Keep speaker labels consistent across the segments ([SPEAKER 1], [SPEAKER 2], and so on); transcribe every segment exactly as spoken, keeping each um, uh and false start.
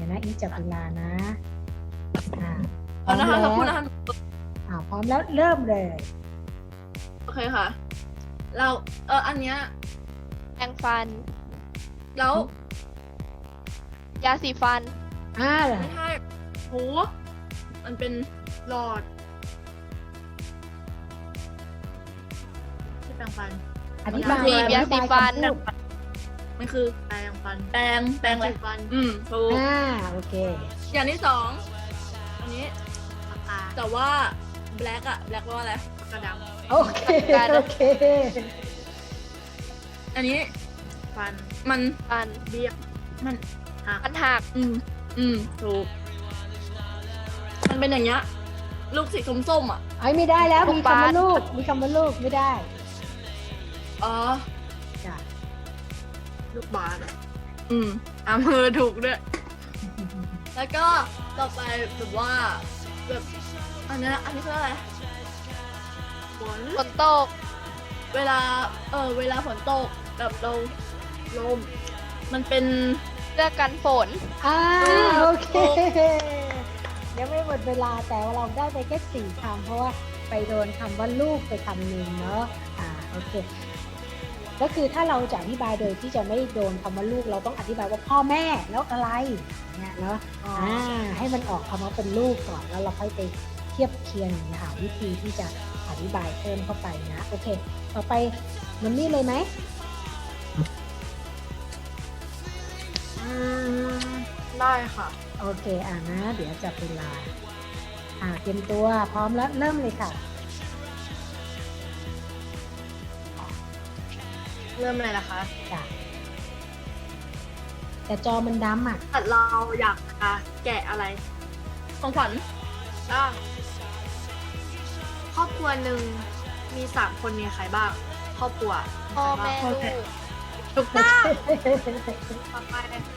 [SPEAKER 1] ดี๋ยวนะอีจับเวลานะอ่าพร้
[SPEAKER 2] เอา
[SPEAKER 1] อม
[SPEAKER 2] นะคะ
[SPEAKER 1] แล้
[SPEAKER 2] สัก
[SPEAKER 1] ว
[SPEAKER 2] ครู่นะคะ
[SPEAKER 1] อ่าพร้อมแล้วเริ่มเลย
[SPEAKER 2] โอเคค่ะ เราเอออันเนี้ย
[SPEAKER 3] แปรงฟัน
[SPEAKER 2] แล้ว
[SPEAKER 3] ยาสีฟัน
[SPEAKER 1] อ่า
[SPEAKER 2] ไม่ใช่โหมันเป็นหลอดที่แปรงฟัน
[SPEAKER 1] อธิบาย
[SPEAKER 3] บีบยาสีฟัน
[SPEAKER 1] อธิบายคำพูด
[SPEAKER 2] มันคือ
[SPEAKER 4] แปรงฟัน
[SPEAKER 2] แปรงแปรงอะไร
[SPEAKER 4] สีฟัน
[SPEAKER 2] อืมถูก
[SPEAKER 1] อ่าโอเค
[SPEAKER 2] อย่างที่สองอันนี้
[SPEAKER 4] ปากกา
[SPEAKER 2] แต่ว่า black อะ black ว่าอะไร
[SPEAKER 4] ปากกาด
[SPEAKER 1] โอเค
[SPEAKER 3] การ
[SPEAKER 1] โอเค
[SPEAKER 2] อันนี้
[SPEAKER 4] ำฟัน
[SPEAKER 2] มัน
[SPEAKER 3] ฟัน
[SPEAKER 4] เบี้ย
[SPEAKER 2] มัน
[SPEAKER 3] ฟันหัก
[SPEAKER 2] อืมอืมถูกมันเป็นอย่างเงี้ยลูกสีส้มๆอ่ะ
[SPEAKER 1] ไอ้ไม่ได้แล้ว
[SPEAKER 3] ลูก
[SPEAKER 1] มี
[SPEAKER 3] บา
[SPEAKER 1] คำ
[SPEAKER 3] ส
[SPEAKER 1] ว่าลูกมีคำว่าลูกไม่ได้
[SPEAKER 2] อ๋อ
[SPEAKER 1] จ้ะ
[SPEAKER 4] ลูกบาศก์อะ
[SPEAKER 2] อืมอ่ะมือถูกด้วย แล้วก็ต่อไปแบบว่าแบบอันเนี้ยอันนี้คืออะไร
[SPEAKER 4] ฝน
[SPEAKER 3] ฝนตก
[SPEAKER 2] เวลาเออเวลาฝนตกแบบเราลม มันเป็น
[SPEAKER 3] เสื้อกันฝน
[SPEAKER 1] อ่า
[SPEAKER 2] อืม
[SPEAKER 1] โอเคยังไม่หมดเวลาแต่ว่าเราได้ไปแค่สี่คำเพราะว่าไปโดนคำว่าลูกไปคำหนึ่งเนาะอ่าโอเค ก็คือถ้าเราจะอธิบายโดยที่จะไม่โดนคำว่าลูกเราต้องอธิบายว่าพ่อแม่แล้วอะไรเนี่ยเนาะอ่าให้มันออกคำว่าเป็นลูกก่อนแล้วเราค่อยไปเทียบเคียงหาวิธีที่จะอธิบายเพิ่มเข้าไปนะโอเค ต่อไปมันนี่เลยไหม
[SPEAKER 4] อืมได้ค่ะ
[SPEAKER 1] โอเคอ่านะ เดี๋ยวจับเวลาอ่าเตรียมตัวพร้อมแล้วเริ่มเลยค่ะ
[SPEAKER 4] เริ่มเลยนะคะ
[SPEAKER 1] จ้ะแต่จอมันดำอ่ะ
[SPEAKER 4] แต่เราอยากจะแกะอะไร
[SPEAKER 2] ของขวัญ
[SPEAKER 4] อ่ะครอบครัวหนึ่งมีสามคนมีใครบ้าง ครอบครัว
[SPEAKER 3] พ่อแม่
[SPEAKER 4] ใคร
[SPEAKER 3] ลู
[SPEAKER 4] บ้าง
[SPEAKER 3] ก
[SPEAKER 2] ถูกต้อง
[SPEAKER 4] ต่อไป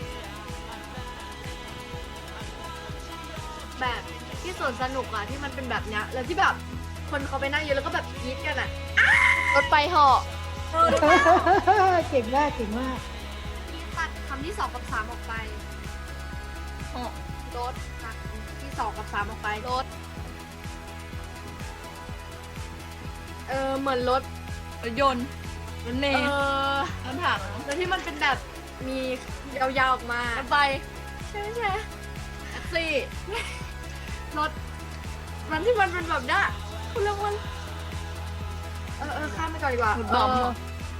[SPEAKER 4] แบบที่สวนสนุกอะที่มันเป็นแบบเนี้ยแล้วที่แบบคนเขาไปนั่งเยอะแล้วก็แบบกรี๊ดกันอะ
[SPEAKER 3] รถไฟเหาะ
[SPEAKER 2] เออ
[SPEAKER 1] เก่งมากเก่งมาก
[SPEAKER 4] ตัดคำที่สองกับสามออกไป
[SPEAKER 3] รถ
[SPEAKER 4] ตัดที่สองกับสามออกไป
[SPEAKER 3] รถ
[SPEAKER 4] เออเหมือนรถ
[SPEAKER 2] รถยนต์รถเม
[SPEAKER 4] เอ
[SPEAKER 2] ล์
[SPEAKER 4] อ
[SPEAKER 2] รถถัง
[SPEAKER 4] แล้วที่มันเป็นแบบมียาวๆออกมาร
[SPEAKER 2] ถไฟ
[SPEAKER 4] ใช่ไหมใช่
[SPEAKER 2] แท็กซี่
[SPEAKER 4] รถมันที่มันเป็นแบบเนี้ยคุณเรียกว่าเออเออข้ามไปก่อนดีกว่าร
[SPEAKER 2] ถบอม
[SPEAKER 4] เออ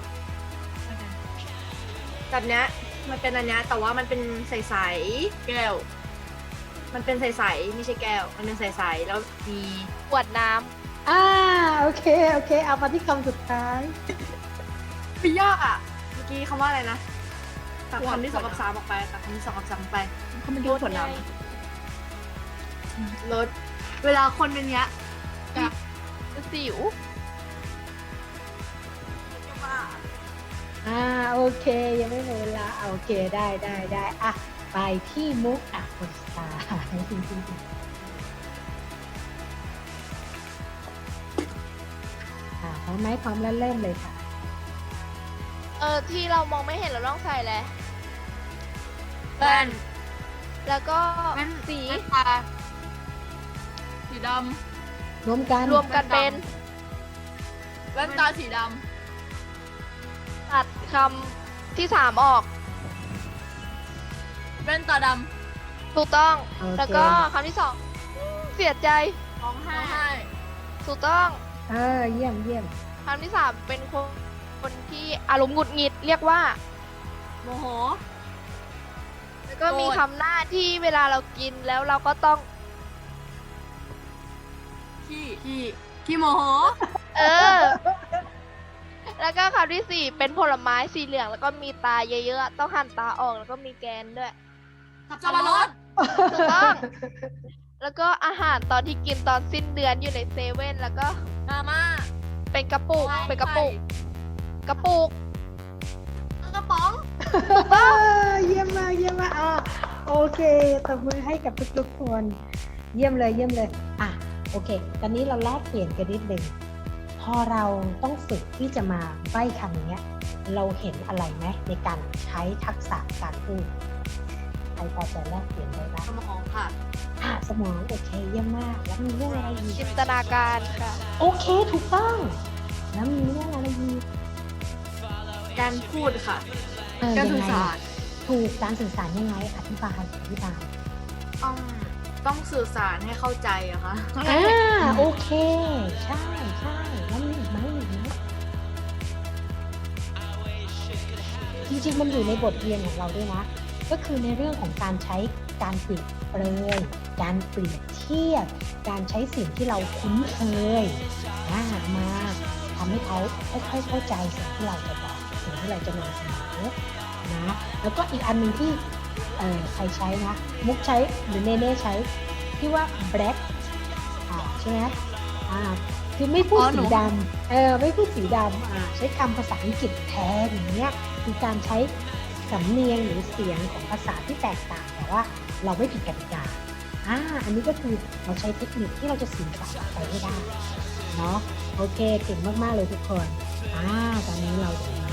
[SPEAKER 4] แบบเนี้ยมันเป็นอันเนี้ยแต่ว่ามันเป็นใส
[SPEAKER 2] แก้ว
[SPEAKER 4] ๆมันเป็นใสๆไม่ใช่แก้ว มันเป็นใสๆแล้วมี
[SPEAKER 3] ขวดน้
[SPEAKER 1] อ่าโอเคโอเค เอามาที่คำสุดท้าย
[SPEAKER 4] ไม่ยากอ่ะเมื่อกี้คำว่าอะไรนะตัด
[SPEAKER 2] ขวด
[SPEAKER 4] คำที่สองกับสามออกไปตัดคำที่สองกับสามออกไป
[SPEAKER 2] เขาไม่
[SPEAKER 3] ำ
[SPEAKER 2] ดูขวดน้
[SPEAKER 3] ไง
[SPEAKER 4] รถเวลาคนเป็นเนี้ย
[SPEAKER 3] สิว
[SPEAKER 1] อ่าโอเค ยังไม่หมดเวลาอ่ะโอเคได้ได้ได้อ่ะไปที่มุกอ่ะคนสุดท้ายอ่าพร้อมไหมพร้อมแล้วเริ่มเลยค่ะ
[SPEAKER 3] เออที่เรามองไม่เห็นเราต้องใส่แหละ
[SPEAKER 2] ำแว่น
[SPEAKER 3] แล้วก็
[SPEAKER 4] แว่น
[SPEAKER 3] สี
[SPEAKER 4] แว่นตา
[SPEAKER 2] สีด
[SPEAKER 1] รวมกัน
[SPEAKER 3] รวมกันเป็น
[SPEAKER 2] ำแว่นตาสีด
[SPEAKER 3] ตัดคำที่สามออก
[SPEAKER 2] ำแว่นตาด
[SPEAKER 3] ถูกต้อง
[SPEAKER 1] โอเค
[SPEAKER 3] แล้วก็คำที่สองเสียใจ
[SPEAKER 4] ร้อง
[SPEAKER 2] ำ
[SPEAKER 4] ไห้
[SPEAKER 2] ร้องไห้
[SPEAKER 3] ถูกต้อง
[SPEAKER 1] เออเยี่ยมเยี่ยม
[SPEAKER 3] คำที่สามเป็นคนคนที่อารมณ์หงุดหงิดเรียกว่า
[SPEAKER 2] โมโห
[SPEAKER 3] แล้วก็มี
[SPEAKER 2] โกรธ
[SPEAKER 3] คำหน้าที่เวลาเรากินแล้วเราก็ต้อง
[SPEAKER 2] ขี้ขี้ขี้โมโห
[SPEAKER 3] เออ แล้วก็คำที่สี่เป็นผลไม้สีเหลืองแล้วก็มีตาเยอะๆ ต้องหั่นตาออกแล้วก็มีแกนด้วย
[SPEAKER 2] สับปะรด
[SPEAKER 3] ถูกต้อง แล้วก็อาหารตอนที่กินตอนสิ้นเดือนอยู่ในเซเว่นแล้วก็
[SPEAKER 2] มาม่า
[SPEAKER 3] เป็นกระปุก เป็นกระปุก กระปุก
[SPEAKER 2] กระป๋อง
[SPEAKER 1] เออเยี่ยมมากเยี่ยมมากอ่ะโอเคตบมือให้กับทุกๆคน เยี่ยมเลยเยี่ยมเลยอ่ะโอเค ตอนนี้เราแลกเปลี่ยนกันนิดหนึ่งพอเราต้องฝึกที่จะมาใบ้คำเนี้ย เราเห็นอะไรไหมในการใช้ทักษะการพูดใครพอจะแลกเปลี่ยนได้บ้าง
[SPEAKER 4] สมองค่ะ
[SPEAKER 1] อ่ะสมองโอเคเยี่ยมมากแล้วมีเรื่องอะไรอีก
[SPEAKER 3] จินตนาการค่ะ
[SPEAKER 1] โอเคถูกต้อง แล้วมีเรื่องอะไรอีก
[SPEAKER 4] การพูดค่ะ
[SPEAKER 1] เออ
[SPEAKER 4] การ
[SPEAKER 1] ยัง
[SPEAKER 4] สื่อ
[SPEAKER 1] ไง
[SPEAKER 4] สาร
[SPEAKER 1] ถูกการสื่อสารยังไงอธิบายอธิบาย
[SPEAKER 4] ต้องต้องสื่อสารให้เข้าใจอะค่ะ
[SPEAKER 1] อ่าโอเค ใช่ใช่แล้วมีอีกไหมมีอีกไหมจริงๆมันอยู่ในบทเรียนของเราด้วยนะ ก็คือในเรื่องของการใช้การเปรียบเปรยการเปรียบเทียบ การใช้สิ่งที่เราคุ้นเคยอ่ามาทำให้เขาค่อยๆเข้าใจสิ่งที่เราจะบอกสิ่งที่เราจะนำเสนอนะแล้วก็อีกอันหนึ่งที่เอ่อใครใช้นะ มุกใช้หรือเนเน่ใช้ที่ว่า black อ่าใช่ไหมอ่าคือไม่พูด
[SPEAKER 2] อ๋อหนู
[SPEAKER 1] สีดำเออไม่พูดสีดำอ่าใช้คำภาษาอังกฤษแทนอย่างเงี้ยคือการใช้สำเนียงหรือเสียงของภาษาที่แตกต่างแต่ว่าเราไม่ผิดกติกาอ่าอันนี้ก็คือเราใช้เทคนิคที่เราจะสื่อสารออกไปให้ได้เนาะโอเคเก่งมากๆเลยทุกคนอ่าตอนนี้เราเดี๋ยว